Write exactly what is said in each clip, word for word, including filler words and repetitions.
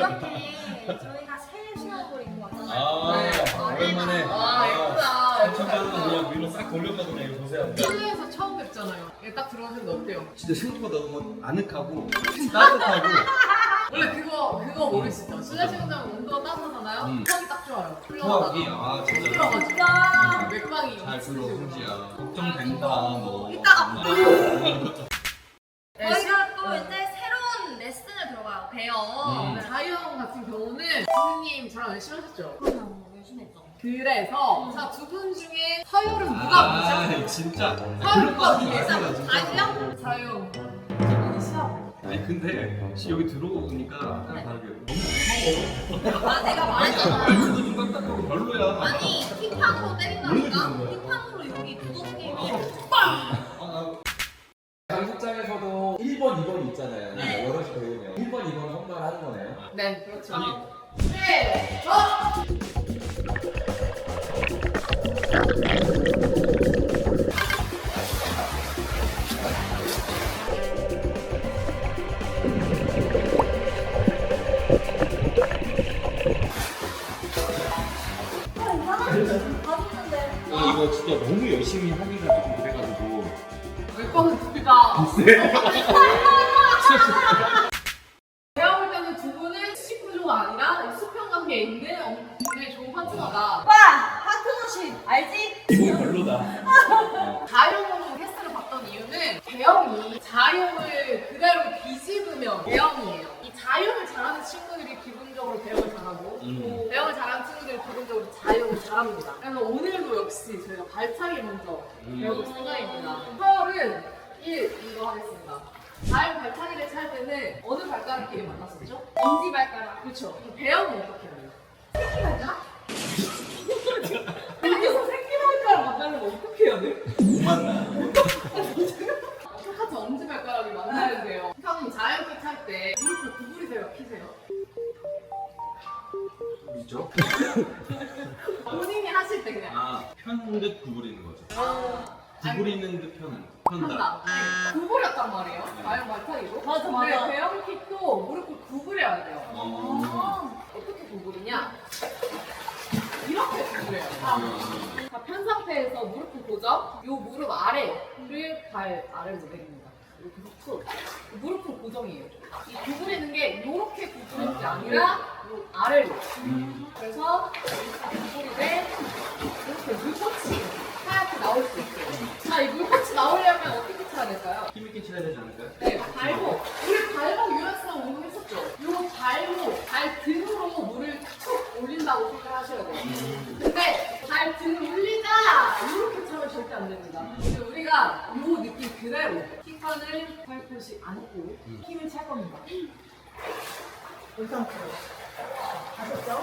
이렇게 저희가 새 수업을 입고 왔잖아요. 아, 네. 오랜만에. 와 예쁘다. 천장은 그냥 위로 싹 돌렸거든요. 이거 보세요. 실내에서 처음 뵙잖아요. 얘딱 들어왔는데 어때요? 진짜 생각보다 너무 아늑하고 따뜻하고. 원래 그거 그거 모르시죠? 실내 수영장 온도가 따뜻하잖아요. 음. 수학이 딱 좋아요. 수학이 아 진짜 들어가지고 아, 맥박이 잘 불러 승지야. 걱정된다 너. 이따가. 네, 저희가 또 이제 새로운 레슨을 들어가요. 배워. 음. 자유형 같은 경우는 지수님 저랑 열심히 하셨죠? 그럼요. 열심히 했죠. 그래서 자 두 분 중에 서열은 누가 보죠? 아 진짜. 서열과 진짜. 아니요? 자유형 두분이 시합. 아니 근데 여기 들어오니까 아까랑 다르게 너무 무서워. 아, 내가 말했잖아. 말투도 좀 딱딱하고 별로야. 아니, 힙합으로 원래 때린다니까? 그런 거야. 힙합으로 여기 두더지게 장식장에서도 일 번, 이 번 있잖아요. 네. 여럿이 배우면 일 번, 이 번 선발 하는 거네요. 네, 그렇죠. 아니. 네, 저. 봐줬는데. 어, 이거 진짜 너무 열심히 하기가 좀 그래가지고. 맥박은 둘다 제가 볼 때는 두 분은 수직 구조가 아니라 수평 관계에 있는 어, 굉장히 좋은 파트너다. 오빠! 파트너십 알지? 이거 별로다. 자유형으로 테스트를 봤던 이유는 대형이 자유형을 그대로 뒤집으면 대형이에요. 이 자유형을 잘하는 친구들이 기본적으로 대형을 잘하고 음. 대형을 잘하는 친구들이 기본적으로 자유형을 잘합니다. 그래서 오늘도 역시 저희가 발차기 먼저 음. 배워볼 생각입니다. 서열은 일 이거 하겠습니다. 자유 발차기를 찰 때는 어느 발가락끼리 만났었죠? 엄지 발가락. 그렇죠. 대형은 어떻게 해요? 새끼 발가락? 여기서 새끼 발가락 만나려면 어떻게 해야 돼? 못 만나. 똑같이 엄지발가락이 만나는데요. 형님 자연킥 할 때 무릎을 구부리세요, 피세요? 있죠? 본인이 하실 때 그냥 아, 편 듯 구부리는 거죠. 아, 구부리는 듯 편은. 편다. 한다. 네, 구부렸단 말이에요. 자연 발차기로. 맞아, 맞아. 근데 대형킥도 무릎을 구부려야 돼요. 어. 아. 어떻게 구부리냐? 이렇게 구부려요. 음. 자, 편 상태에서 무릎을 고정. 요 무릎 아래를 발 아래로 내립니다. 이렇게 툭. 무릎은 고정이에요. 이 구부리는 게 이렇게 구부리는 게 아니라 요 아래로. 음. 그래서 이렇게 구부리되 이렇게 물꽃이 하얗게 나올 수 있어요. 자, 이 물꽃이 나오려면 어떻게 쳐야 될까요? 힘있게 쳐야 되지 않을까요? 네, 발목. 우리 발목 유연성 운동했었죠? 요 발목, 발 등으로 물을 툭 올린다고 생각하셔야 돼요. 근데 발 등 올리자! 이렇게 차면 절대 안 됩니다. 근데 우리가 요 느낌 그대로 킥판을 팔꿈치 안고 힘을 찰 겁니다. 이 상태로. 아셨죠?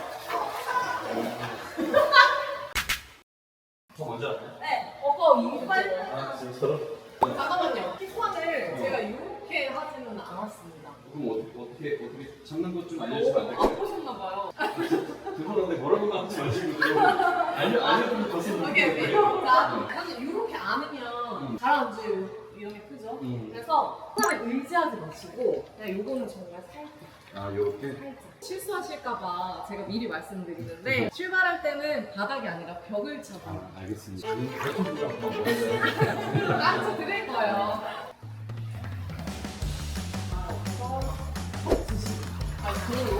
저 먼저 할까요? 네. 오빠 이빨 아, 진짜로? 잠깐만요. 킥판을 제가 이렇게 하지는 않았습니다. 그럼 어떻게, 어떻게, 어떻게 잡는 것 좀 오, 알려주시면 안 될까요? 아프셨나봐요. 죄송한데 뭐라고 하지 마시고 좀 알려, 알려주면 더 쓰는 이게 거예요. 자, 사실 이렇게 안으면 음. 잘 안 줘요. 위험이 크죠? 음. 그래서 사람을 의지하지 마시고 그냥 요거는 정말 살짝 아, 요렇게? 살짝 실수하실까봐 제가 미리 말씀드리는데 출발할 때는 바닥이 아니라 벽을 차고 아, 알겠습니다. 배터리가 한번 먹어야 깜짝 드릴 거예요. 아, 그리고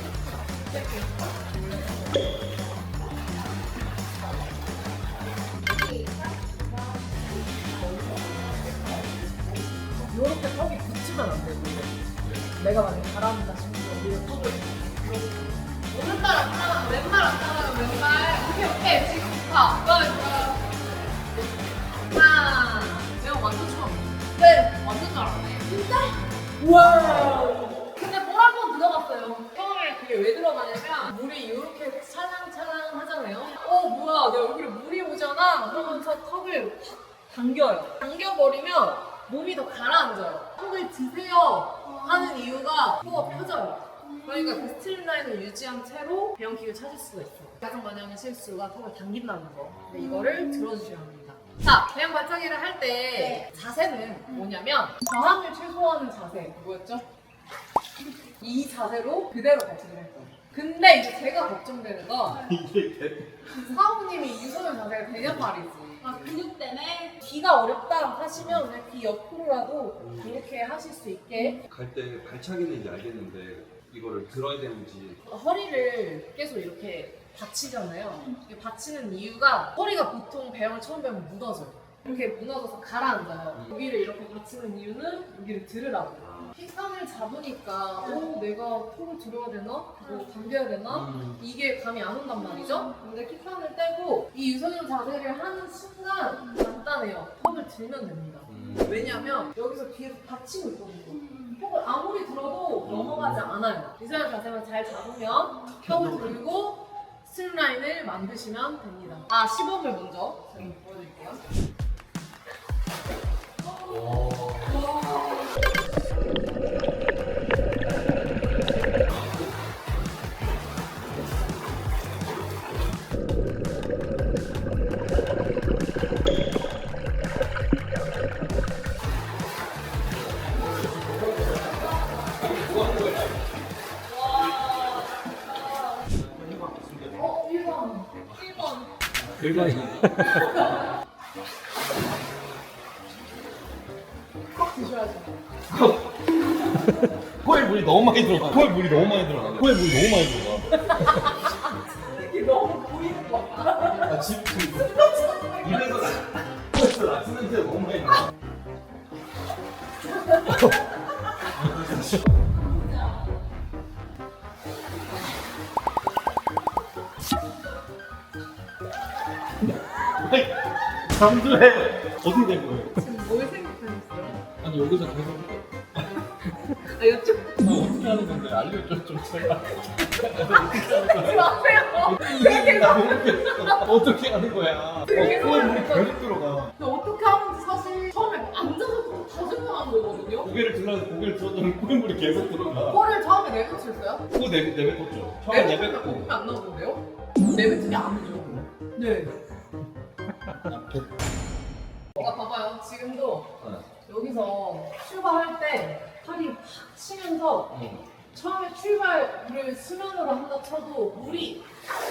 이렇게 턱이 붙이면 안 되고 내가 만약에 잘한다 싶으면 우리가 턱을 오른발 안 따라가면 왼발 안 따라가면 왼발 오케이 오케이 지금 좋다 좋아요 좋아요 하나 내가 완전 처음 네 완전 잘하네 진짜? 우와 근데 볼 한 번 들어갔어요 처음에 그게 왜 들어가냐면 물이 이렇게 찰랑찰랑 하잖아요 어 뭐야 내 얼굴에 물이 오잖아 그러면서 턱을 확 당겨요 당겨버리면 몸이 더 가라앉아요. 턱을 드세요 하는 이유가 코가 펴져요. 그러니까 그 스트림라인을 유지한 채로 배영킥을 찾을 수가 있어요. 가장 많이 하는 실수가 턱을 당긴다는 거. 근데 이거를 들어주셔야 합니다. 자, 배영 발차기를 할 때 자세는 뭐냐면 저항을 최소화하는 자세. 뭐였죠? 이 자세로 그대로 발차기를 할 거예요. 근데 이제 제가 걱정되는 건 사부님이 유선형 자세가 되냐 말이지. 아, 근육 때문에 귀가 어렵다 하시면 그냥 귀 옆으로라도 이렇게 하실 수 있게 갈 때 발차기는 이제 알겠는데 이거를 들어야 되는지. 허리를 계속 이렇게 받치잖아요. 이게 받치는 이유가 허리가 보통 배영을 처음 배우면 무너져요. 이렇게 무너져서 가라앉아요. 여기를 이렇게 받치는 이유는 여기를 들으라고. 킥선을 잡으니까 어, 내가 턱을 들어야 되나? 뭐 당겨야 되나? 음. 이게 감이 안 온단 말이죠? 근데 킥선을 떼고 이 유선형 자세를 하는 순간 간단해요. 턱을 들면 됩니다. 음. 왜냐면 여기서 뒤에서 받치고 있거든요. 턱을 아무리 들어도 넘어가지 않아요. 유선형 자세만 잘 잡으면 턱을 들고 스트림라인을 만드시면 됩니다. 아, 시범을 먼저 제가 보여드릴게요. 어, 일 번. 일 번. 일반인. 꼭 드셔야죠. 코에 물이 너무 많이 들어가. 코에 물이 너무 많이 들어가. 코에 물이 너무 많이 들어가. 이게 너무 보이는 거 같아. 아, 집, 입에서 나, 코에서 나스 냄새가 너무 많이 나. 잠수해. 어떻게 된 거예요? 지금 뭘 생각하셨어요? 아니 여기서 계속 아, 여쭤 어떻게 하는 건데 알려줘 좀 제발. 보지 마세요. 이게 나 모르겠어. 어떻게 하는 거야? 어, 코에 물이 계속 들어가. 근데 어떻게 하는지 사실 처음에 앉아서부터 다 생각한 거거든요. 고개를 들어 고개를 들어도 코에 물이 계속 들어가. 코를 처음에 내뱉으셨어요? 코 내, 내뱉었죠. 처음에 내뱉으면 내뱉고. 거품이 안 나오는데요? 내뱉으면 안 되죠. 네. 아, 봐봐요. 지금도 여기서 출발할 때 팔이 확 치면서 응. 처음에 출발을 수면으로 한다 쳐도 물이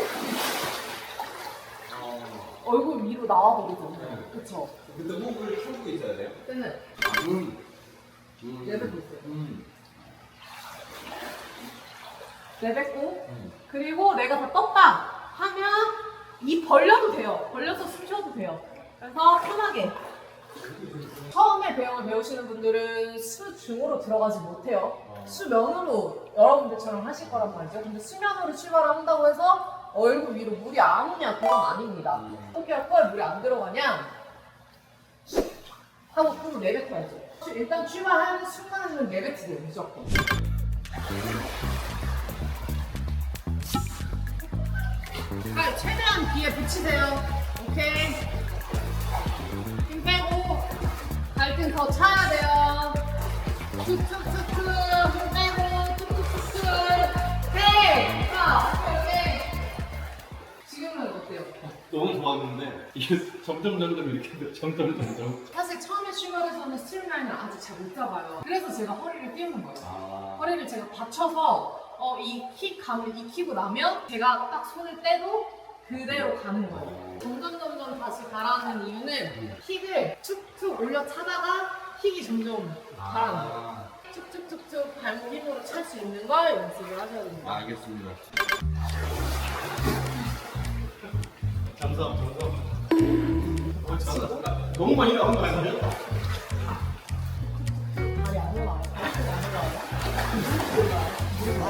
얼굴 위로 나와버리잖아요. 그쵸? 근데 호흡을 참고 있어야 돼요? 그때는 음. 음. 내뱉고 있어요. 음. 내뱉고 음. 그리고 내가 다 떴다 하면 입 벌려도 돼요. 벌려서 숨 쉬어도 돼요. 그래서 편하게. 처음에 배영을 배우시는 분들은 수중으로 들어가지 못해요. 수면으로 여러분들처럼 하실 거란 말이죠. 근데 수면으로 출발을 한다고 해서 얼굴 위로 물이 안 오냐? 그건 아닙니다. 어떻게 할 거야? 물이 안 들어가냐? 하고 또 내뱉어야죠. 일단 출발하는 순간에는 내뱉으세요. 무조건. 아, 최대한 귀에 붙이세요. 오케이. 힘 빼고 갈등 더 차야 돼요. 툭툭툭툭 힘 빼고 툭툭툭툭. 네. 자, 오케이. 지금은 어때요? 너무 좋았는데 이게 점점 점점 이렇게 돼. 점점 점점. 사실 처음에 출발해서는 스트림라인을 아직 잘 못 잡아요. 그래서 제가 허리를 띄우는 거예요. 아. 허리를 제가 받쳐서 어, 이킥 감을 익히고 나면 제가 딱 손을 떼도 그대로 가는 거예요. 점점 점점 다시 가라앉는 이유는 킥을 툭툭 올려 차다가 킥이 점점 가라앉아요. 아. 툭툭툭툭 발목 힘으로 찰 수 있는 걸 연습을 하셔야 됩니다. 알겠습니다. 감사합니다. 감사합니다. 너무 많이 나온 거 아니에요? 발이 안 올라와요. 발이 안 올라와요.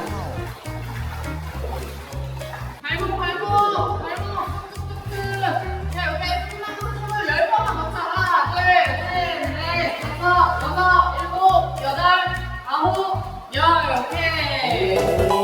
발목 발목 발목 뚝뚝뚝. 자, 여기 숨을 열 번만 더 차. 하나, 둘, 셋, 넷, 다섯, 여섯, 일곱, 여덟, 아홉, 열. 오케이.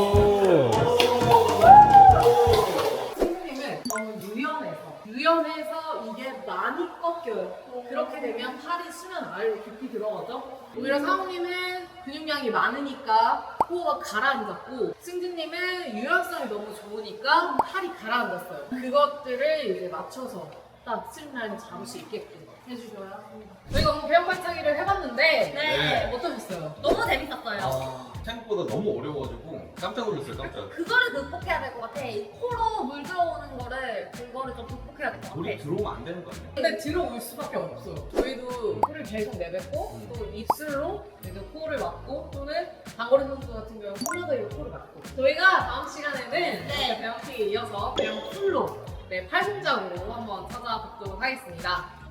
선생님은 너무 유연해서 유연해서 이게 많이 꺾여요. 그렇게 되면 팔이 수면 아래로 깊이 들어가죠. 오히려 사모님은 근육량이 많으니까 코어가 가라앉았고, 승진님은 유연성이 너무 좋으니까 팔이 가라앉았어요. 그것들을 이제 맞춰서 딱 스트림라인 잡을 수 있게끔 해주셔야 합니다. 저희가 오늘 배영 발차기를 해봤는데 네. 어떠셨어요? 너무 재밌었어요. 아. 생각보다 너무 어려워가지고 깜짝 놀랐어요, 깜짝. 그거를 극복해야 될 것 같아. 이 코로 물 들어오는 거를 그거를 좀 극복해야 될 것 물이 같아. 들어오면 안 되는 거 아니에요? 근데 들어올 수밖에 없어요. 저희도 코를 계속 내뱉고 음. 또 입술로 이제 코를 막고 또는 장거리 선수 같은 경우 콜라더로 코를 막고 저희가 다음 시간에는 네. 배영피에 이어서 그냥 풀로 네, 팔공작으로 한번 찾아뵙도록 하겠습니다.